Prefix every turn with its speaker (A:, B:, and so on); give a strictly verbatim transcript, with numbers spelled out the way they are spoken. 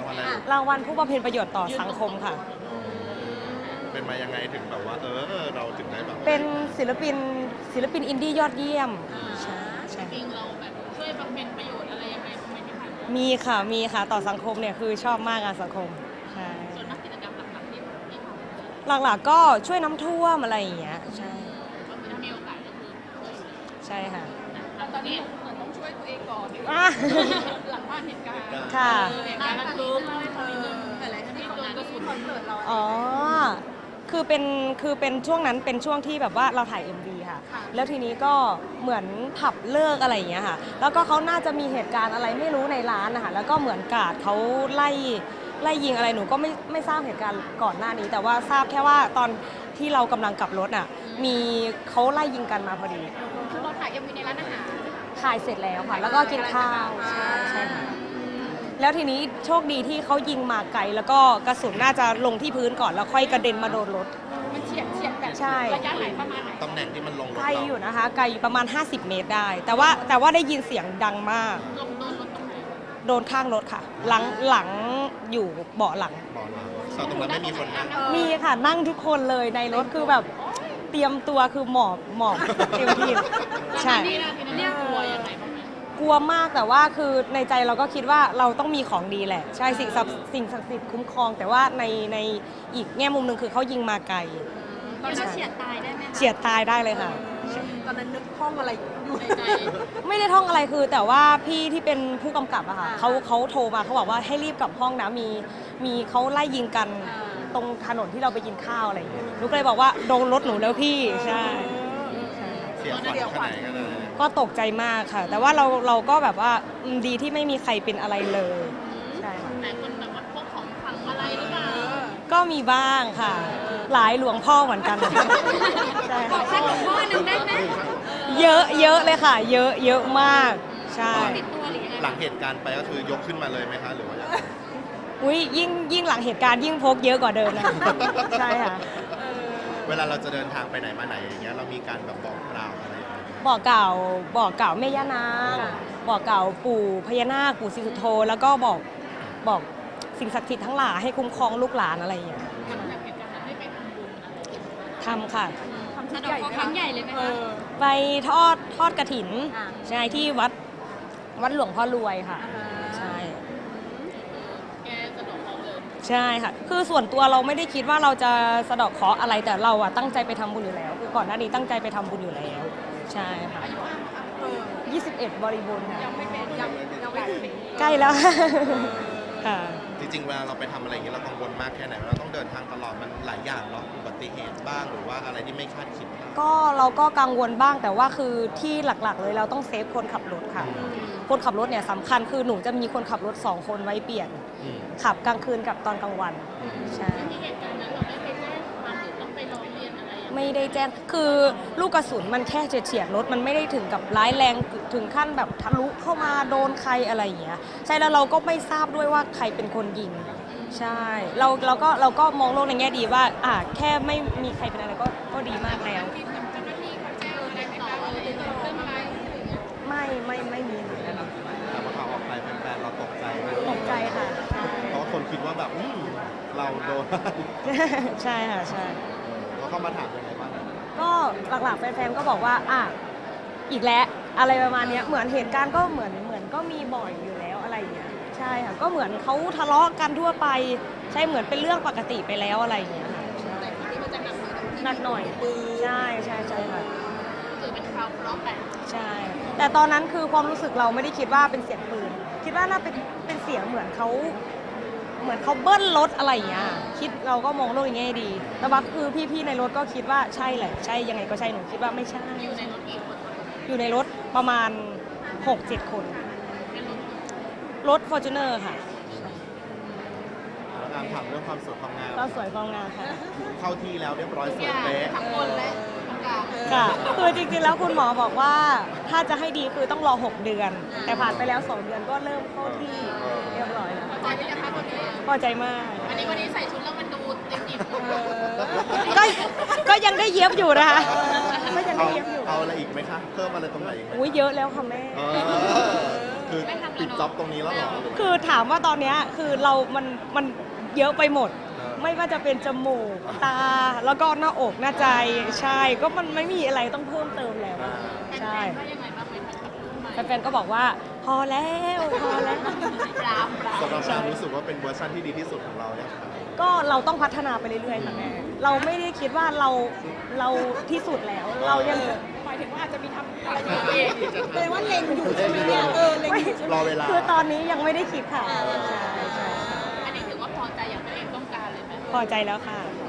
A: วัลอะไร
B: รางวัลผู้บำเพ็ญประโยชน์ต่อสังคมค่ะ
A: เป็นมายังไงถึงแบบว่า เออเราถึงได้แบบ
B: เป็นศิลปินศิลปินอินดี้ยอดเยี่ยมใช่ใช่
C: จริงเราแบบช่วยบำเพ็ญประโยชน์อะไรยังไงทำไมที่ผ่านมา
B: มีค่ะมีค่ะต่อสังคมเนี่ยคือชอบมากอะสังคมใช่
C: ส่วนมากกิจกรรมหลักๆที่ที่ทำ
B: หลักๆก็ช่วยน้ำท่วมอะไรอย่างเงี้ยใช่
C: ก็คือถ้ามีโอกาสก็คือ
B: ใช่ค่ะ
C: ตอนนี้เหมือนต้องช่วยตัวเองก่อนดีกว่า
B: อ่ะ
C: หลังบ้านเหตุการณ์
B: ค่ะ
C: เหตุการณ์ระทึกเล่าให้ฟังนิดนึงอะไรที่โดนกระสุนคอนเสิร์ตเรา
B: อ๋อ คือเป็น คือเป็นช่วงนั้นเป็นช่วงที่แบบว่าเราถ่าย เอ็ม วี ค่ะ แล้วทีนี้ก็เหมือนผับเลิกอะไรอย่างเงี้ยค่ะ แล้วก็เขาน่าจะมีเหตุการณ์อะไรไม่รู้ในร้านนะคะแล้วก็เหมือนกาดเขาไล่ไล่ยิงอะไรหนูก็ไม่ไม่ทราบเหตุการณ์ก่อนหน้านี้ แต่ว่าทราบแค่ว่าตอนที่เรากำลังกลับรถอ่ะ มีเขาไล่ยิงกันมาพอดี
C: คือเราถ่ายเอ็มวีในร้านอาหาร
B: ถ่ายเสร็จแล้วค่ะ แล้วก็กินข้าว ใช่ใช่ค่ะ แล้วทีนี้โชคดีที่เขายิงมาไกลแล้วก็กระสุนน่าจะลงที่พื้นก่อนแล้วค่อยกระเด็นมาโดนรถ
C: มันเฉียดเฉียดแบบ
B: ใช่
C: ระยะไหนประมาณไหน
A: ตำแหน่งที่มันลงรถ
B: ไกล
A: เรา
B: อยู่นะคะ ไกลอยู่ประมาณ ห้าสิบ เมตรได้ แต่ว่าแต่ว่าได้ยินเสียงดังมาก
C: ลงโดนรถตรงไหน
B: โดนข้างรถค่ะ หลังหลังอยู่เบาะหลัง
A: บอกเราแต่ตรงนั้นไม่มีคนนั่ง
B: มีค่ะนั่งทุกคนเลยในรถคือแบบเตรียมตัวคือหมอบหมอบเต็มที่ใช่
C: นี่นะทีนั้นเนี่ยกลัวยังไงบ้างไหม
B: กลัวมากแต่ว่าคือในใจเราก็คิดว่าเราต้องมีของดีแหละ ใช่สิ่งศักดิ์สิ่งศักดิ์สิทธิ์คุ้มครอง แต่ว่าในในอีกแง่มุมหนึ่งคือเขายิงมาไกล
C: ตอนนั้นเฉียดตายได้ไหมคะ
B: เฉียดตายได้เลยค่ะ
C: ตอนนั้นนึกท่องอะไรอยู่ในใจ
B: ไม่ได้ท่องอะไรคือ แต่ว่าพี่ที่เป็นผู้กำกับอะค่ะเขาเขาโทรมาเขาบอกว่าให้รีบกลับห้องนะมีมีเขาไล่ยิงกันตรงถนนที่เราไปกินข้าวอะไรอย่างเงี้ยหนูก็เลยบอกว่าโดนรถหนูแล้วพี่ใช่ใช่
A: เสียขวัญขนาดไหนกันเลย
B: ก็ตกใจมากค่ะ แต่ว่าเราเราก็แบบว่าอืมดีที่ไม่มีใครเป็นอะไรเลยใช่ค่ะ
C: หลายคนแบบว่าพกของขลังอะไรหรือเปล่า
B: ก็มีบ้างค่ะ หลายหลวงพ่อเหมือนกันใช่ค่ะ
C: สักหลวงพ่อหนึ่งได้ไหม
B: เยอะเยอะเลยค่ะ เยอะเยอะมากใช่
C: ติดตัวหรือยังไง
A: หลังเหตุการณ์ไปก็คือยกขึ้นมาเลยไหมคะหรือว่ายังไง
B: อุ้ยยิ่งยิ่งหลังเหตุการณ์ยิ่งพกเยอะกว่าเดิมนะใช่ค่ะ
A: เวลาเราจะเดินทางไปไหนมาไหนอย่างเงี้ยเรามีการแบบบอกกล่าวอะไรอย่างเงี้ย
B: บอกเกล่าวบอกเกล่าวแม่ย่านางบอกเกล่าวปู่พญานาคปู่ศรีสุโธแล้วก็บอกบอกสิ่งศักดิ์สิทธิ์ทั้งหลายให้คุ้มครองลูกหลานอะไรอย่างเงี้ย
C: หลังจากเหตุการณ์นั้นได้ไปทำบุญอะไร
B: ทำค่ะ
C: ทำสะดอกเคราะห์ครั้งใหญ่เลยไหมคะ
B: ไปทอดทอดกระถินใช่ที่วัดวัดหลวงพ่อรวยค่ะใช่
C: แกสะดอกเคราะห์เลย
B: ใช่ค่ะ คือส่วนตัวเราไม่ได้คิดว่าเราจะสะเดาะเคราะห์อะไรแต่เราอะตั้งใจไปทำบุญอยู่แล้ว คือก่อนหน้านี้ตั้งใจไปทำบุญอยู่แล้ว ใช่ค่ะยี่สิบเอ็ดบริบูรณ์ค่ะ
C: ยังไม่เป็นยังยังไม่ถึง
B: ใกล้แล้วค่ะ
A: จริงๆเวลาเราไปทำอะไรอย่างเงี้ยเรากังวลมากแค่ไหนเราต้องเดินทางตลอดมันหลายอย่างเนาะอุบัติเหตุบ้างหรือว่าอะไรที่ไม่คาดคิดบ้าง
B: ก็เราก็กังวลบ้างแต่ว่าคือที่หลักๆ เลยเราต้องเซฟคนขับรถค่ะ คนขับรถเนี่ยสำคัญคือหนูจะมีคนขับรถสองคนไว้เปลี่ยน
A: อืม
B: ขับกลางคืนกับตอนกลางวันใช่
C: ที่เหตุการณ์นั้นเราได้ไปแจ้งความหรือต้องไปร้องเรียนอะไรยังไง
B: ไม่ได้แจ้งคือลูกกระสุนมันแค่เฉียดๆรถมันไม่ได้ถึงกับร้ายแรงถึงขั้นแบบทะลุเข้ามาโดนใครอะไรอย่างเงี้ยใช่แล้วเราก็ไม่ทราบด้วยว่าใครเป็นคนยิงใช่เราเราก็เราก็มองโลกในแง่ดีว่าอ่ะแค่ไม่มีใครเป็นอะไรก็ก็ดีมากแล้ว
C: ที่กับเจ้าหน้าที่เขาแจ้งอะไรต่ออะไรเรื่องอะไรอะไรอย่างเงี้ย
B: ไม่ไม่ไม่มีเหมือนกัน
A: แต่ว่าข่าวออกไปแฟนๆเราตกใจไหม
B: ตกใจค่ะใช่
A: เพราะว่าคนคิดว่าแบบอืมเราโดน
B: ใช่ค่ะใช่
A: เขาเข้ามาถามยังไงบ้าง
B: ก็หลักๆแฟนๆก็บอกว่าอ่ะอีกแล้วอะไรประมาณเนี้ยเหมือนเหตุการณ์ก็เหมือนเหมือนก็มีบ่อยอยู่แล้วอะไรอย่างเงี้ยใช่ค่ะก็เหมือนเขาทะเลาะกันทั่วไปใช่เหมือนเป็นเรื่องปกติไปแล้วอะไรอย่างเงี้ยค่ะใช่
C: แต่ครั้งนี้มันจะหนักหน่อยตรงที่
B: หนักหน่อยใช่ใช่ใช่ค่ะ
C: ถือเป็นคราวเคราะห์แต่
B: ใช่ แต่ตอนนั้นคือความรู้สึกเราไม่ได้คิดว่าเป็นเสียงปืนคิดว่าน่าเป็นเป็นเสียงเหมือนเขาเหมือนเขาเบิ้ลรถอะไรอย่างเงี้ยคิดเราก็มองโลกในแง่ดี แต่ว่าคือพี่ๆในรถก็คิดว่าใช่แหละใช่ยังไงก็ใช่หนูคิดว่าไม่ใช่
C: อยู่ในรถกี่คนคะ
B: อยู่ในรถประมาณ หกเจ็ด คน
C: เป็นรถ
B: รถ Fortuner ค่ะ
A: แล้วการถามเรื่องความสวยความงาม
B: ก็สวยความงามค่ะ
A: เข้าที่แล้วเรียบร้อยส
C: อ
A: วย
C: ย่าง
A: เป๊ะ
C: ทั้งบนและตรงกลาง
B: ค่ะ คือจริงๆแล้วคุณหมอบอกว่าถ้าจะให้ดีคือต้องรอ หก เดือน แต่ผ่านไปแล้ว สอง เดือนก็เริ่มเข้าที่เรียบร้อยแล้ว
C: พอใจไหมคะคนนี้
B: พอใจมาก
C: วันนี้วันนี้ใส่ชุดแล้วมันดูเต็มอิ่ม
B: ก็ก็ยังได้เย็บอยู่นะคะก็ยัง
A: เอา
B: ได้เย็บอยู่
A: เอาอะไรอีกไหมคะ เพิ่มอะไรตรงไหนอีกไหม
B: อุ้ยเยอะแล้วค่ะแม่
A: เออคือ
C: ไม่ทำแล้ว
A: ปิด
C: เนอะ
A: จ็อบตรงนี้แล้วเหรอหรือว่า
B: คือถามว่าตอนเนี้ยคือเรา มัน มันเยอะไปหมด
A: เออ
B: ไม่ว่าจะเป็นจมูก ตา แล้วก็หน้าอก หน้าใจ ใช่ ก็มันไม่มีอะไรต้องเพิ่มเติมแล้ว
A: อ่า
B: ใช่
C: ว่ายังไงบ้างไหมคะกับรูปใหม่
B: แฟนๆก็บอกว่า พอแล้ว พอแล้ว
C: ปรามปราม
A: สำหรับการรู้สึกว่าเป็นเวอร์ชันที่ดีที่สุดของเราเนี่ยครับ
B: ก็เราต้องพัฒนาไปเรื่อยๆค่ะแม่ เราไม่ได้คิดว่าเรา เราที่สุดแล้ว เรายัง
C: หมายถึงว่าอาจจะมีทำอะไรอย่างเองแปลว่าเล็งอยู่ใช่ไหมเนี่ยเออเล็งอยู่ใช่ไหม
A: รอเวลา
B: คือตอนนี้ยังไม่ได้คิดค่ะ ใช่ใช่
C: อันนี้ถือว่าพอใจอย่างตัวเองต้องการเลยไหม
B: พอใจแล้วค่ะ
C: เ